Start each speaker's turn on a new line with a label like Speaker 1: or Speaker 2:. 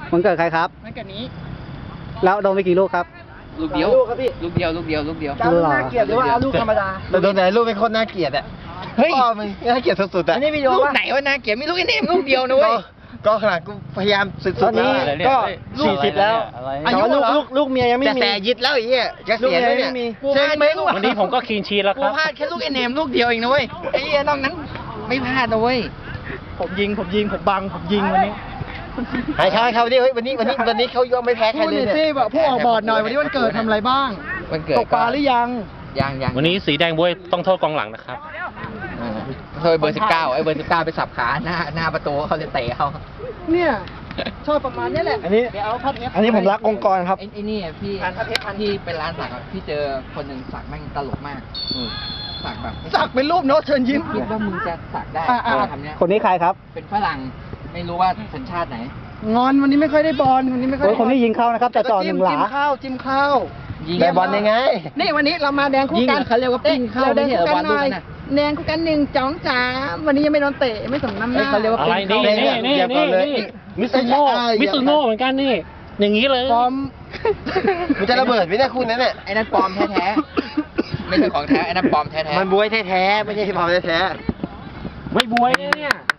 Speaker 1: วันเกิดใครครับ
Speaker 2: มันกับนี้
Speaker 1: แล้วโดนไปกี่ลูกครับ
Speaker 3: ลูกเดียว
Speaker 2: ลูกครับพี่
Speaker 3: ลูกเดียวลูกเดียวลูกเดียว
Speaker 2: จะเอาลูกน่าเกลียดหรือว่าเอาลูกธรรมดา
Speaker 4: แต่โดนไหนลูกเป็นคนน่าเกลียดอ่ะ
Speaker 3: เฮ้ย
Speaker 4: พ่อมึงน่าเกลียดสุดๆอ่ะ
Speaker 2: อันนี้วิดีโอ
Speaker 3: ลูก
Speaker 2: ปะ
Speaker 3: ไหนวะนาเกียรมีลูกไอ้เนมลูกเดียวนะเว้ย
Speaker 4: ก็ขนาดกูพยายามสุด
Speaker 1: ตอน
Speaker 4: ๆแล้
Speaker 1: นี้
Speaker 4: วอะ
Speaker 1: ก็
Speaker 2: ลูก
Speaker 1: 40แล้ว
Speaker 2: อายุ
Speaker 1: แต่ว่า
Speaker 2: เหรอ
Speaker 1: ลูกเมียยังไม่
Speaker 4: แต่
Speaker 1: มี
Speaker 4: แสยิดแล้วไอ้เหี้ยจะ
Speaker 1: ลูก
Speaker 4: เสีย
Speaker 1: เมีย
Speaker 4: แล้ว
Speaker 1: ยัง
Speaker 4: เนี่ย
Speaker 1: ไม่มี
Speaker 3: กูพลาดแค่ลูก
Speaker 5: วันนี้ผมก็คลีนชีทแล้วค
Speaker 3: กู
Speaker 5: รับ
Speaker 3: พลาดแค่ลูกไอ้เนมลูกเดียวเองนะเว้ยไอ้เหี้ยนอกนั้นไม่พลาดนะเว้ย
Speaker 2: ผมยิงผมบังผมยิงวันนี้
Speaker 4: หายเขาดิเฮ้ยวันนี้เขายอมไม่แพ้ใคร
Speaker 2: พูด
Speaker 4: เล
Speaker 2: หน่
Speaker 4: ย
Speaker 2: อย
Speaker 4: เนี่
Speaker 2: สิ
Speaker 4: ย
Speaker 2: แบบผู้ออกบอร์ดหน่อยวันนี้วันเกิดทำอะไรบ้าง
Speaker 3: วันเกิด
Speaker 2: ตกปลาหรือยัง
Speaker 3: ยัง
Speaker 5: วันนี้สีแดงบวยต้องโทษกองหลังนะครับ
Speaker 3: เคยเบอร์ 19ไอ้เบอร์ 19ไปสับขาหน้าประตูเขาเลยเตะเขา
Speaker 2: เนี่ยชอบประมาณนี้แหละ
Speaker 1: อันนี้
Speaker 2: เดี๋ยวเอาพัดเอฟ
Speaker 1: อันนี้ผมรักองค์กรครับ
Speaker 3: ไอ้นี่พี่ที่เป็นร้านสักพี่เจอคนหนึ่งสักแม่งตลกมากสักแบบ
Speaker 2: สักเป็นรูปโน้ตเชิญยิ้ม
Speaker 3: คิดว่ามึงจะสักได้
Speaker 2: อ่า
Speaker 3: ทำเนี้ย
Speaker 1: คนนี้ใครครับ
Speaker 3: เป็นฝรั่งไม่รู้ว่าสัญชาติไหน
Speaker 2: งอนวันนี้ไม่ค่อยได้บอลวันนี้ไม่ค่อย
Speaker 1: โอ้
Speaker 2: ได้
Speaker 1: ยคนนี้ยิงเข้านะครับแต่จ่อหนึ่งหลา
Speaker 2: จิ้มข้าวจิ้มข้าว
Speaker 4: ได้บอลยังไง
Speaker 2: นี่วันนี้เรามาแดงคู่
Speaker 3: ยิง
Speaker 2: กัน
Speaker 3: เขาเรียกว่าปิ้งเข้า
Speaker 2: แดงคู่กัน
Speaker 3: ไม่
Speaker 2: หน่อย
Speaker 3: ใช่เหรอบอลลูกนั้นน่ะ
Speaker 2: แดงคู่กัน1 2 3วันนี้ยังไม่โดนเตะไม่สมน้ำหน้า
Speaker 3: เขาเรียกว่า
Speaker 5: อะไร
Speaker 3: ปิ้ง
Speaker 5: นี่
Speaker 3: เข้า
Speaker 5: นี่
Speaker 4: อย่าก่อนเลย
Speaker 5: มิซูโน่มิซูโน่เหมือนกันนี่ อย่างนี้เลย
Speaker 2: ฟอร์ม
Speaker 4: มันจะระเบิดไหมเนี่ยคุณนั้นเนี่ย
Speaker 3: ไอ้นั่นปลอมแท้ๆไม่ใช่ของแท้ไอ้นั่นปลอมแท้ๆ
Speaker 4: มันบวยแท้ๆไม่ใช่พอมแท้
Speaker 5: ไม่บวยเนี่ย
Speaker 3: ไ